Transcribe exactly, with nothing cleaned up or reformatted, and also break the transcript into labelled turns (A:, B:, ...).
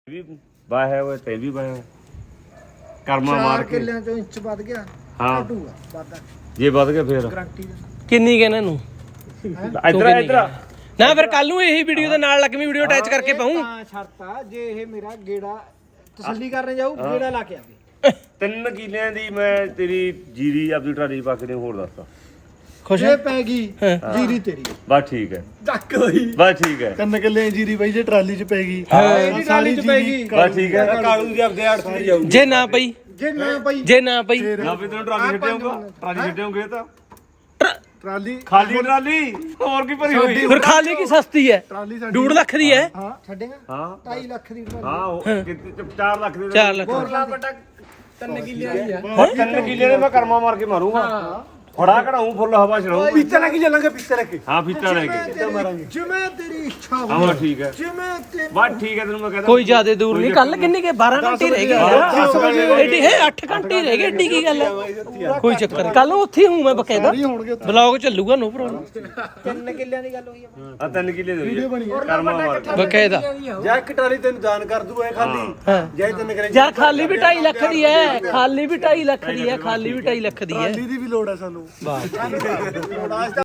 A: ਵੀ via ਹੋਇਆ ਤੇ ਵੀ via ਕਰਮਾ ਮਾਰ ਕੇ
B: ਕਿੱਲਿਆਂ ਚੋਂ ਇੰਚ ਵੱਧ ਗਿਆ
A: ਹਾਂ
B: ਘਟੂਗਾ ਵੱਧਦਾ
A: ਜੇ ਵੱਧ ਗਿਆ ਫੇਰ
B: ਗਾਰੰਟੀ
C: ਕਿੰਨੀ ਕਹਿੰਦਾ ਇਹਨੂੰ
A: ਇਧਰ ਇਧਰ
C: ਨਾ ਫਿਰ ਕੱਲ ਨੂੰ ਇਹੀ ਵੀਡੀਓ ਦੇ ਨਾਲ ਲੱਗਵੀਂ ਵੀਡੀਓ ਅਟੈਚ ਕਰਕੇ ਪਾਉਂ
B: ਤਾਂ ਸ਼ਰਤ ਆ ਜੇ ਇਹ ਮੇਰਾ ਗੇੜਾ ਤਸੱਲੀ ਕਰਨ ਜਾਊ ਗੇੜਾ ਲਾ ਕੇ ਆਵੇ
A: ਤਿੰਨ ਕਿੱਲਿਆਂ ਦੀ ਮੈਂ ਤੇਰੀ ਜੀਰੀ ਆਪਦੀ ਟਰਾਲੀ ਪਾ ਕੇ ਨੇ ਹੋਰ ਦੱਸਦਾ
C: ਖੁਸ਼
B: ਜੇ ਪੈ ਗਈ ਜੀਰੀ ਤੇਰੀ
A: ਬਸ ਠੀਕ ਹੈ
B: ਡੱਕ ਹੋਈ
A: ਬਸ ਠੀਕ ਹੈ
D: ਤਿੰਨ ਕਿੱਲੇ ਜੀਰੀ ਬਾਈ ਜੇ ਟਰਾਲੀ 'ਚ ਪੈ ਗਈ
B: ਇਹਦੀ ਟਰਾਲੀ ਚ ਪੈ ਗਈ
A: ਬਸ ਠੀਕ ਹੈ
B: ਕਾਲੂ ਦੀ ਆਪਦੇ ਆੜ ਤੇ ਜਾਊ
C: ਜੇ ਨਾ ਪਈ
B: ਜੇ ਨਾ ਪਈ
C: ਜੇ ਨਾ ਪਈ
A: ਨਾ ਵੀ ਤੈਨੂੰ ਟਰਾਲੀ ਛੱਡਿਆਉਂਗਾ ਟਰਾਲੀ ਛੱਡਿਆਉਂਗੇ ਤਾਂ
D: ਟਰਾਲੀ
A: ਖਾਲੀ ਟਰਾਲੀ ਹੋਰ ਕੀ ਭਰੀ ਹੋਈ
C: ਫਿਰ ਖਾਲੀ ਕੀ ਸਸਤੀ ਹੈ
D: ਟਰਾਲੀ ਸਾਡੀ
C: ਡੂਢ ਲੱਖ ਦੀ ਹੈ
D: ਹਾਂ
B: ਛੱਡੇਗਾ
A: ਹਾਂ
B: ਢਾਈ ਲੱਖ ਦੀ ਟਰਾਲੀ
A: ਹਾਂ ਉਹ ਕਿਤੇ ਚਾਰ ਲੱਖ ਦੇ
C: ਚਾਰ ਲੱਖ
B: ਬੋਰਲਾ ਬਟਾ ਤਿੰਨ ਕਿੱਲਿਆਂ ਦੀ ਆ
A: ਹੁਣ ਤਿੰਨ ਕਿੱਲੇ ਦੇ ਮੈਂ ਕਰਮਾ ਮਾਰ ਕੇ ਮਾਰੂੰਗਾ ਫੜਾ ਕਢਾਉਂ ਫੁੱਲ ਹਵਾ ਛੜਾਉਂ
B: ਪਿੱਛੇ ਲੈ ਕੇ ਚੱਲਾਂਗੇ ਪਿੱਛੇ ਲੈ ਕੇ
A: ਹਾਂ ਫੀਤਾ ਲੈ ਕੇ
B: ਮਾਰਾਂਗੇ ਜਿਵੇਂ ਤੇਰੀ ਇੱਛਾ
A: ਹਾਂ
B: ਹੋਵੇ
A: ਠੀਕ ਹੈ
B: ਜਿਵੇਂ ਤੇ
A: ਬਸ ਠੀਕ ਹੈ ਤੈਨੂੰ ਮੈਂ ਕਹਿੰਦਾ
C: ਕੋਈ ਜ਼ਿਆਦਾ ਦੂਰ ਨਹੀਂ ਕੱਲ ਕਿੰਨੀ ਕੇ ਬਾਰਾਂ ਘੰਟੇ ਰਹਿ ਗਏ ਏਡੀ ਹੈ ਅੱਠ ਘੰਟੇ ਰਹਿ ਗਏ ਏਡੀ ਕੀ ਗੱਲ ਹੈ ਕੋਈ ਚੱਕਰ ਨਹੀਂ ਕੱਲ ਨੂੰ ਉੱਥੇ ਹੂੰ ਮੈਂ ਬਕਾਇਦਾ ਬਲੌਗ ਚੱਲੂਗਾ ਨੋ ਪ੍ਰੋਬਲਮ
B: ਤਿੰਨ ਕਿੱਲਿਆਂ ਦੀ ਗੱਲ ਹੋਈ ਆ
A: ਆ ਤਿੰਨ ਕਿੱਲੇ ਦੇ ਵੀਡੀਓ ਬਣੀ ਕਰਮਾ ਮਾਰ ਕੇ
C: ਬਕਾਇਦਾ
D: ਜਾਂ ਇੱਕ ਟਰਾਲੀ ਤੈਨੂੰ ਦਾਨ ਕਰ ਦੂ ਐ ਖਾਲੀ ਜਾਂ ਤਿੰਨ ਕਿੱਲੇ
C: ਯਾਰ ਖਾਲੀ ਵੀ ਢਾਈ ਲੱਖ ਦੀ ਹੈ ਖਾਲੀ ਵੀ ਢਾਈ ਲੱਖ ਦੀ ਹੈ ਖਾਲੀ ਵੀ ਢਾਈ ਲੱਖ ਦੀ ਹੈ
D: ਟਰਾਲੀ ਦੀ ਵੀ ਲੋੜ ਹੈ ਸਾਨੂੰ